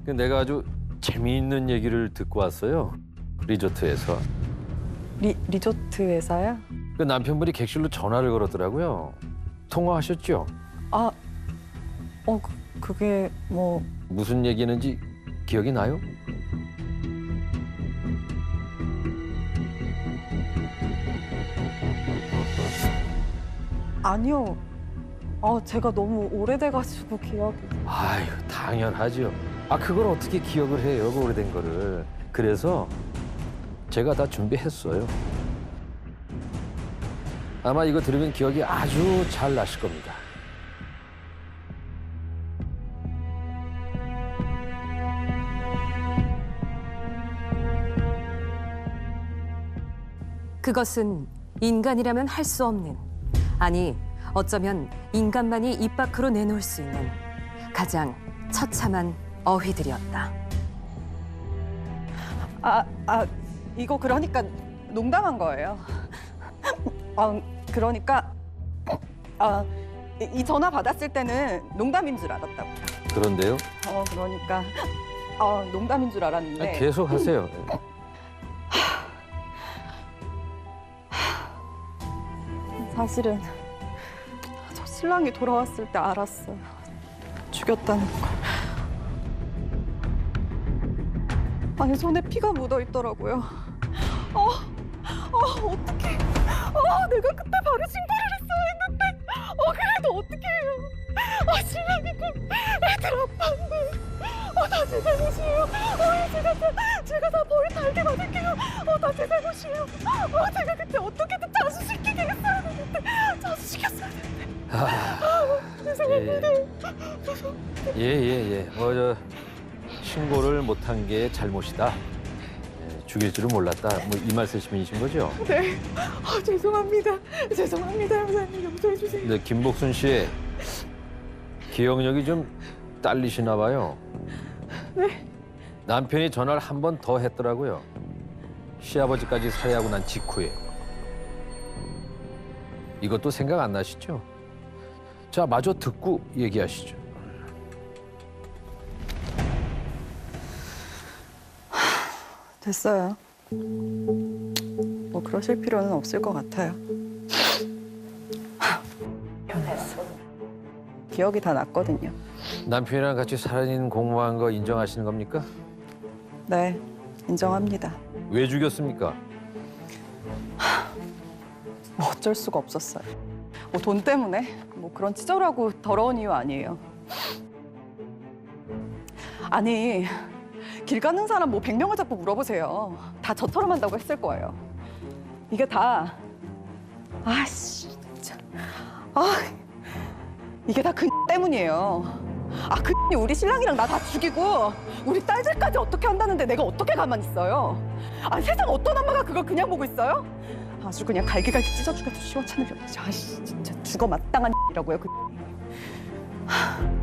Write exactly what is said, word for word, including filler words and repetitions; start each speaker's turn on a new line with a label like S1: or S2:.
S1: 그 내가 아주 재미있는 얘기를 듣고 왔어요. 리조트에서.
S2: 리, 리조트 회사야?
S1: 그 남편분이 객실로 전화를 걸었더라고요. 통화하셨죠?
S2: 아, 어, 그, 그게 뭐...
S1: 무슨 얘기했는지 기억이 나요?
S2: 아니요. 아, 제가 너무 오래돼가지고 기억이...
S1: 아유, 당연하죠. 아, 그걸 어떻게 기억을 해요, 그 오래된 거를. 그래서 제가 다 준비했어요. 아마 이거 들으면 기억이 아주 잘 나실 겁니다.
S3: 그것은 인간이라면 할 수 없는, 아니 어쩌면 인간만이 입 밖으로 내놓을 수 있는 가장 처참한 어휘들이었다.
S2: 아, 아, 이거 그러니까 농담한 거예요. 아, 그러니까 아, 이- 이 전화 받았을 때는 농담인 줄 알았다고요.
S1: 그런데요?
S2: 어, 그러니까 아, 농담인 줄
S1: 아,
S2: 알았는데
S1: 계속 하세요.
S2: 사실은 저 신랑이 돌아왔을 때 알았어요. 죽였다는 걸. 아니, 손에 피가 묻어 있더라고요. 어, 어, 어떡해. 어, 내가 그때 바로 신고를 했어야 했는데. 어, 그래도 어떡해요. 아, 신랑이고 애들 아빠인데. 어, 다 제 잘못이에요. 어, 제가 다, 제가 다 벌 달게 받을게요. 어, 다 제 잘못이에요. 어, 제가 그때 어떻게든 자수시키게 했어야 했는데. 자수시켰어야 했는데.
S1: 아,
S2: 죄송합니다.
S1: 예, 예, 예. 뭐, 저, 신고를 못한 게 잘못이다. 예, 죽일 줄은 몰랐다. 뭐 이 말씀이신 거죠?
S2: 네. 아, 죄송합니다. 죄송합니다, 형사님. 용서해 주세요.
S1: 근데 김복순 씨 기억력이 좀 딸리시나 봐요.
S2: 네.
S1: 남편이 전화를 한 번 더 했더라고요. 시아버지까지 살해하고 난 직후에. 이것도 생각 안 나시죠? 자, 마저 듣고 얘기하시죠.
S2: 됐어요. 뭐 그러실 필요는 없을 것 같아요. 변했어. 기억이 다 났거든요.
S1: 남편이랑 같이 살인 공모한 거 인정하시는 겁니까?
S2: 네, 인정합니다.
S1: 왜 죽였습니까?
S2: 뭐 어쩔 수가 없었어요. 뭐 돈 때문에 뭐 그런 치졸하고 더러운 이유 아니에요. 아니, 길 가는 사람 뭐 백 명을 잡고 물어보세요. 다 저처럼 한다고 했을 거예요. 이게 다, 아씨, 진짜, 아, 이게 다 그 때문이에요. 아, 그 우리 신랑이랑 나 다 죽이고 우리 딸들까지 어떻게 한다는데 내가 어떻게 가만히 있어요? 아, 세상 어떤 엄마가 그걸 그냥 보고 있어요? 아주 그냥 갈기갈기 찢어 죽여도 시원찮으려. 아씨, 진짜 죽어 마땅한 이라고요. 그.